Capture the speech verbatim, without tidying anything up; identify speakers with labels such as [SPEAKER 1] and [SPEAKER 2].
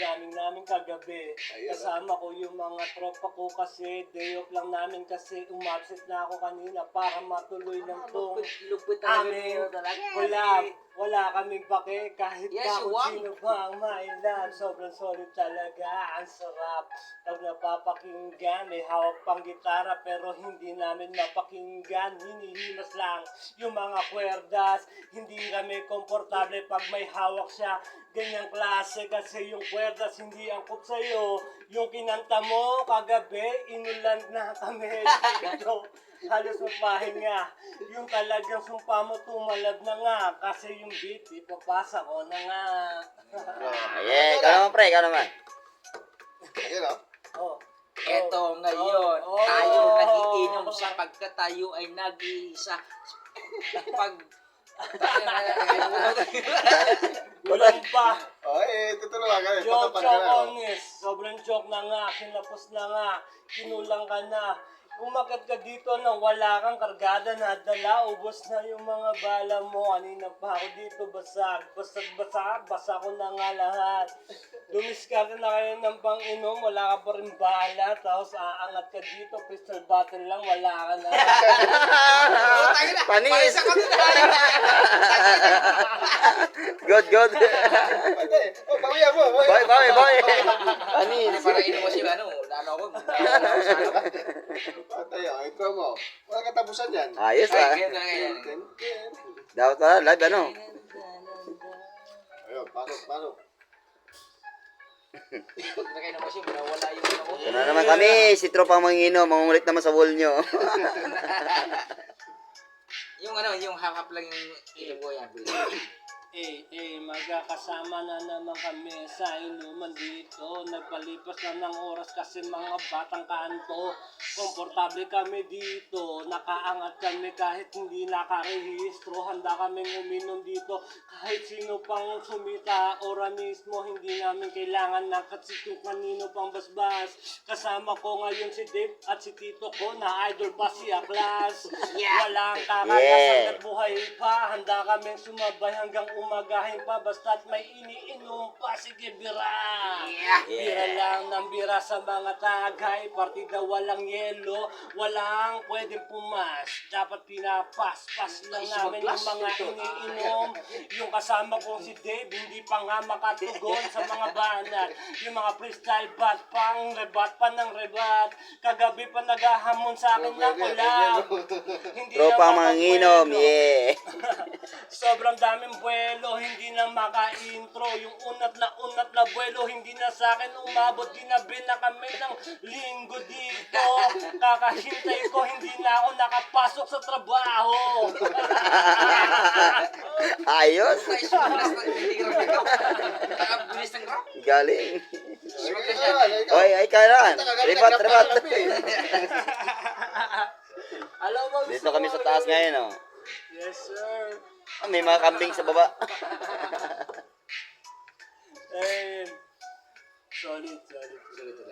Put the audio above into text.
[SPEAKER 1] jamming namin kagabi. Kasama ko yung mga tropa ko kasi day off lang namin kasi umabsent na ako kanina para matuloy ng tong aming collab. Wala kaming pake kahit
[SPEAKER 2] Yes,
[SPEAKER 1] pa kung
[SPEAKER 2] wag.
[SPEAKER 1] sino pa ang mailan. Sobrang solid talaga. Ang sarap. Pag napapakinggan, may hawak pang gitara pero hindi namin mapakinggan. Hinihimas lang yung mga kwerdas. Hindi kami komportable pag may hawak siya. Ganyang klase kasi yung kwerdas hindi angkop sa'yo. Yung kinanta mo kagabi, inulan na kami dito. Halos mapahinga. Yung talagang sumpa mo tumalab na nga. Kasi yung beat, ipapasa ko na nga.
[SPEAKER 3] Ayan, ikaw naman pre, ikaw naman.
[SPEAKER 4] Ayun o.
[SPEAKER 1] Oh.
[SPEAKER 2] Eto ngayon,
[SPEAKER 1] Oh, oh.
[SPEAKER 2] tayo nagiinom sapagkat tayo ay nag-iisa. Pag...
[SPEAKER 1] Ulan pa.
[SPEAKER 4] O, eh, tutulungan ka.
[SPEAKER 1] Joke,
[SPEAKER 4] Patapad ka
[SPEAKER 1] joke
[SPEAKER 4] na.
[SPEAKER 1] on this. Sobrang joke na nga. Kinapos na nga. Kinulang ka na. Umakyat ka dito nang wala kang kargada na dala. Ubos na yung mga bala mo. Kanina pa ako dito basag. Basag, basag. Basa ko na nga lahat. Dumiskarte na kayo ng pang-inom. Wala ka pa rin bala. Tapos aangat ka dito. Crystal bottle lang. Wala ka na.
[SPEAKER 3] Panis. Good, good.
[SPEAKER 4] Pwede. O, bawian mo.
[SPEAKER 3] Boy, boy, boy. Panis.
[SPEAKER 2] Para inom mo siya, ano, ano ako,
[SPEAKER 4] Patay o, intro mo. Wala katapusan yan.
[SPEAKER 3] Ayos
[SPEAKER 2] ay,
[SPEAKER 3] ah.
[SPEAKER 2] ganyan, ganyan.
[SPEAKER 4] Ken, ken.
[SPEAKER 3] Dapat pala, live ano.
[SPEAKER 4] Ayun, pasok, pasok.
[SPEAKER 2] Pag nakainom mo siya, wala yung ano ko.
[SPEAKER 3] Ito na naman kami, si Tropa Mangino, mangungulit naman sa wall nyo.
[SPEAKER 2] Yung ano, yung half-half lang yung inom ko yan.
[SPEAKER 1] Eh, eh, magkakasama na naman kami sa inuman dito. Nagpalipas na ng oras kasi mga batang kanto. Komportable kami dito. Nakaangat kami kahit hindi nakarehistro. Handa kaming uminom dito. Kahit sino pang sumita ora mismo. Hindi namin kailangan nakatsit yung kanino pang basbas. Kasama ko ngayon si Dave at si Tito ko na idol pa si Aklas. Walang kakalasan at buhay pa. Handa kaming sumabay hanggang umagahin pa basta't may iniinom pa. Sige, bira. Bira lang ng bira sa mga tagay. Partida walang yelo. Walang pwedeng pumas. Dapat pinapaspas lang namin yung mga iniinom. Yung kasama kong si Dave, hindi pa nga makatugon sa mga banat. Yung mga freestyle bat pang rebat pa ng rebat. Kagabi pa naghahamon sa akin ng collab. Hindi
[SPEAKER 3] Tropa
[SPEAKER 1] na
[SPEAKER 3] Manginom,
[SPEAKER 1] makapwelo.
[SPEAKER 3] yeah.
[SPEAKER 1] Sobrang daming buwelo, hindi na maka-intro. Yung unat na unat na buwelo, hindi na sa akin umabot. Ginabi na kami ng linggo dito. Kakahintay ko, hindi na ako nakapasok sa trabaho.
[SPEAKER 3] Ayos.
[SPEAKER 2] Ay, sumalas na, hindi ka rin ikaw. Nakabulis ng grab.
[SPEAKER 3] Galing.
[SPEAKER 4] Ikaw naman, ikaw.
[SPEAKER 3] Oy, ay kailan. Rebat, rebat.
[SPEAKER 1] Alam mo,
[SPEAKER 3] Dito kami sa taas ngayon, oh.
[SPEAKER 1] Yes, sir.
[SPEAKER 3] Ah, may mga kambing sa baba.
[SPEAKER 1] And solid, solid.